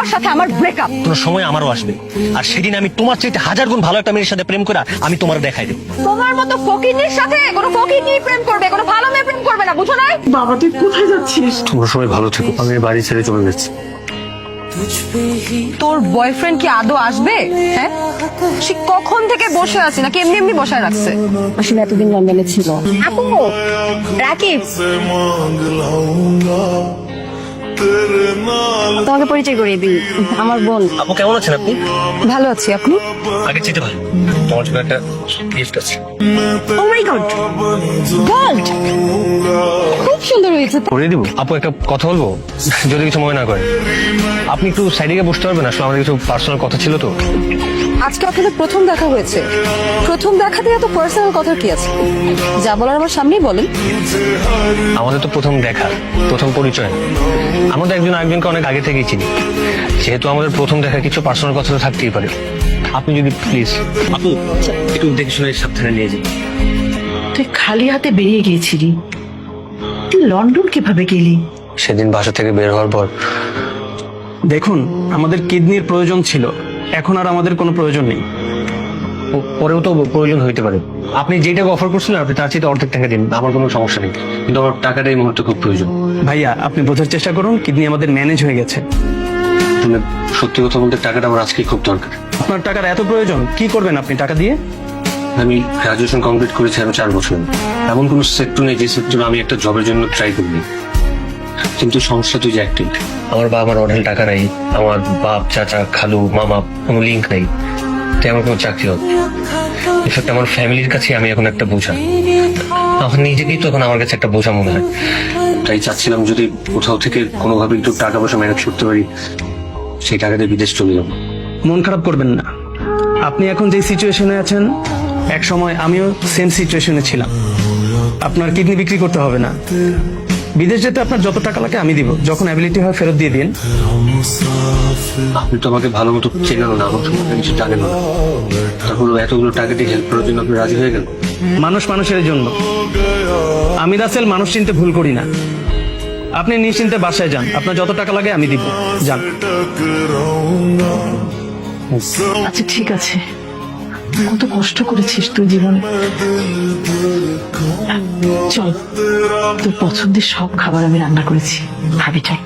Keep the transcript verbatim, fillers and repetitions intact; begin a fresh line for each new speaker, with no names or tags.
তোমার সাথে আমার ব্রেকআপ।
কোনো সময় আমারও আসবে, আর সেদিন আমি তোমার চাইতে হাজার গুণ ভালো একটা মেয়ের সাথে প্রেম করে আমি তোমার দেখাই দেব।
তোমার মতো ফকিনীর সাথে কোনো ফকিনী প্রেম করবে, কোনো ভালো মেয়ে প্রেম করবে না, বুঝো না?
বাবা তুই কোথায় যাচ্ছিস?
তোমরা সবাই ভালো থেকো, আমি বাড়ি ছেড়ে চলে যাচ্ছি।
তোর বয়ফ্রেন্ড কি আদৌ আসবে? হ্যাঁ, সে কখন থেকে বসে আছে নাকি এমনি এমনি বসায় রাখছে?
আসলে এতদিন লন্ডনে ছিল। আপু, রাকিব তোমাকে পরিচয় করিয়ে দিই, আমার বোন।
আপু কেমন আছেন আপনি?
ভালো আছি, আপনি?
আগে চেতে ভালো। তোমার জন্য একটা গিফট আছে।
Oh my god, gold! খুব সুন্দর হয়েছে।
করে দিব। আপু একটা কথা বলবো, যদি কিছু মনে না করেন। আপনি একটু সাইডে গিয়ে বসতে পারবেন? আসলে আমাদের কিছু পার্সোনাল কথা ছিল তো।
আজকে আপনাদের প্রথম দেখা হয়েছে, প্রথম দেখাতে এত পার্সোনাল কথা কি আছে? যা বলার আমার সামনেই বলেন।
আমাদের তো প্রথম দেখা, প্রথম পরিচয়। আমাদের একজন আরেকজনকে অনেক আগে থেকেই চিনি, যেহেতু আমাদের প্রথম দেখা কিছু পার্সোনাল কথা তো থাকতেই পারে। আপনি যদি প্লিজ আপু একটু দেখে শুনে সাবধানে নিয়ে যান।
তুই খালি হাতে বেরিয়ে গিয়েছিলি, তুই লন্ডন কিভাবে গেলি?
সেদিন বাসা থেকে বের হওয়ার পর
দেখুন, আমাদের কিডনির প্রয়োজন ছিল, এখন আর আমাদের কোনো প্রয়োজন নেই।
প- পরেও তো প্রয়োজন হইতে পারে। আপনি যেটা অফার করছিলেন আপনি তার চেয়ে অর্ধেক টাকা দিন, আমার কোনো সমস্যা নেই, কিন্তু আমার টাকাটা এই মুহূর্তে খুব প্রয়োজন।
ভাইয়া আপনি বোঝার চেষ্টা করুন, কিডনি আমাদের ম্যানেজ হয়ে গেছে।
মানে সত্যি কথা বলতে টাকাটা আমার আজকে খুব দরকার।
আপনার টাকার এত প্রয়োজন, কি করবেন আপনি টাকা দিয়ে?
আমি গ্রাজুয়েশন কমপ্লিট করেছি আরো চার বছর। এমন কোনো সেক্টর নেই যে সেক্টরে আমি একটা জবের জন্য ট্রাই করিনি, কিন্তু সমস্যা তুই যে একটাই, আমার বাবা আমার অঢেল টাকা নাই, আমার বাপ চাচা খালু মামা কোনো লিঙ্ক নাই, তাই আমার কোনো চাকরি হবে। ইনফ্যাক্ট আমার ফ্যামিলির কাছে আমি এখন একটা বোঝা, আমার নিজেকেই তো এখন আমার কাছে একটা বোঝা মনে হয়। তাই চাচ্ছিলাম যদি কোথাও থেকে কোনোভাবে একটু টাকা পয়সা ম্যানেজ করতে পারি, সেই টাকা দিয়ে বিদেশ চলে যাবো।
মন খারাপ করবেন না, আপনি এখন যে সিচুয়েশনে আছেন, এক সময় আমিও সেম সিচুয়েশনে ছিলাম। আপনার কিডনি বিক্রি করতে হবে না, বিদেশ যেতে আপনার যত টাকা লাগে আমি দিব, যখন অ্যাবিলিটি হয় ফেরত দিয়ে দিন।
আপনি তো আমাকে ভালো মতো চেনেন না, আমার সম্পর্কে কিছু জানেন না, তারপর এতগুলো টাকা দিয়ে হেল্প করার জন্য আপনি রাজি হয়ে গেলেন।
মানুষ মানুষের জন্য, আমি রাসেল মানুষ চিনতে ভুল করি না। আপনি নিশ্চিন্তে বাসায় যান, আপনার যত টাকা লাগে আমি দিব, যান।
আচ্ছা ঠিক আছে, কত কষ্ট করেছিস তুই জীবনে। চল, তোর পছন্দের সব খাবার আমি রান্না করেছি, খাবি চল।